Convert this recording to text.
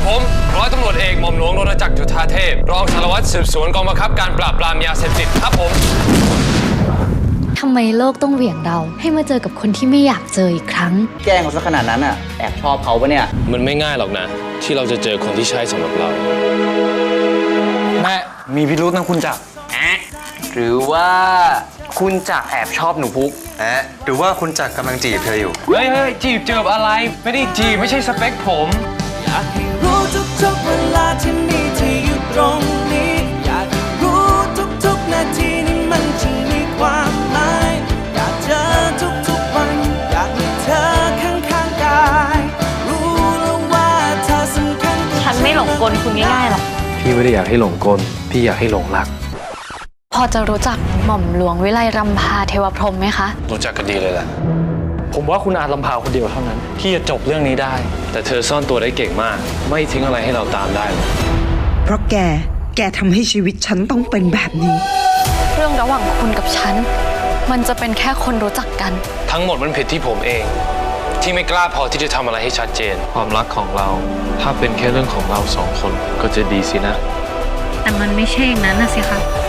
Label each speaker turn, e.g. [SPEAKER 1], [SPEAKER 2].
[SPEAKER 1] ผมร้อยตำรวจเอกหม่อมหลวงรณจักรจุฑาเทพรองสารวัตรสืบสวนกองบังคับการปราบปรามยาเสพติดครับผม
[SPEAKER 2] ทำไมโลกต้องเหวี่ยงเราให้มาเจอกับคนที่ไม่อยากเจออีกครั้ง
[SPEAKER 3] แกล้งเขาซะขนาดนั้นอ่ะแอบชอบเขาปะเนี่ย
[SPEAKER 1] มันไม่ง่ายหรอกนะที่เราจะเจอคนที่ใช่สำหรับเราแม่มีพิรุธนะคุณจักร
[SPEAKER 3] หรือว่าคุณจักรแอบชอบหนูพุก
[SPEAKER 4] หรือว่าคุณจักรกำลังจีบเธออยู่
[SPEAKER 1] เฮ้ยจีบเจออะไรไม่ได้จีบไม่ใช่สเปคผม
[SPEAKER 5] อยากให้รู้ทุกๆเวลาที่มีเธออยู่ตรงนี้อยากรู้ทุกๆนาทีนี้มันจะมีความหมายอยากเจอทุกๆวันอยากมีเธอข้างๆกายรู้แล้วว่าเธอสำคัญฉันไม่หลงกลคุณง่ายๆหรอก
[SPEAKER 1] พี่ไม่ได้อยากให้หลงกลพี่อยากให้หลงรัก
[SPEAKER 2] พอจะรู้จักหม่อมหลวงวิไลรำพาเทวพรหมไหมคะ
[SPEAKER 1] รู้จักกันดีเลยแหละผมว่าคุณอาจลำพาคนเดียวเท่านั้นที่จะจบเรื่องนี้ได้แต่เธอซ่อนตัวได้เก่งมากไม่ทิ้งอะไรให้เราตามได้
[SPEAKER 6] เพราะแกทำให้ชีวิตฉันต้องเป็นแบบนี้
[SPEAKER 2] เรื่องระหว่างคุณกับฉันมันจะเป็นแค่คนรู้จักกัน
[SPEAKER 1] ทั้งหมดมันผิดที่ผมเองที่ไม่กล้าพอที่จะทำอะไรให้ชัดเจนความรักของเราถ้าเป็นแค่เรื่องของเราสองคนก็จะดีสินะ
[SPEAKER 2] แต่มันไม่ใช่อย่างนั้นนะสิคะ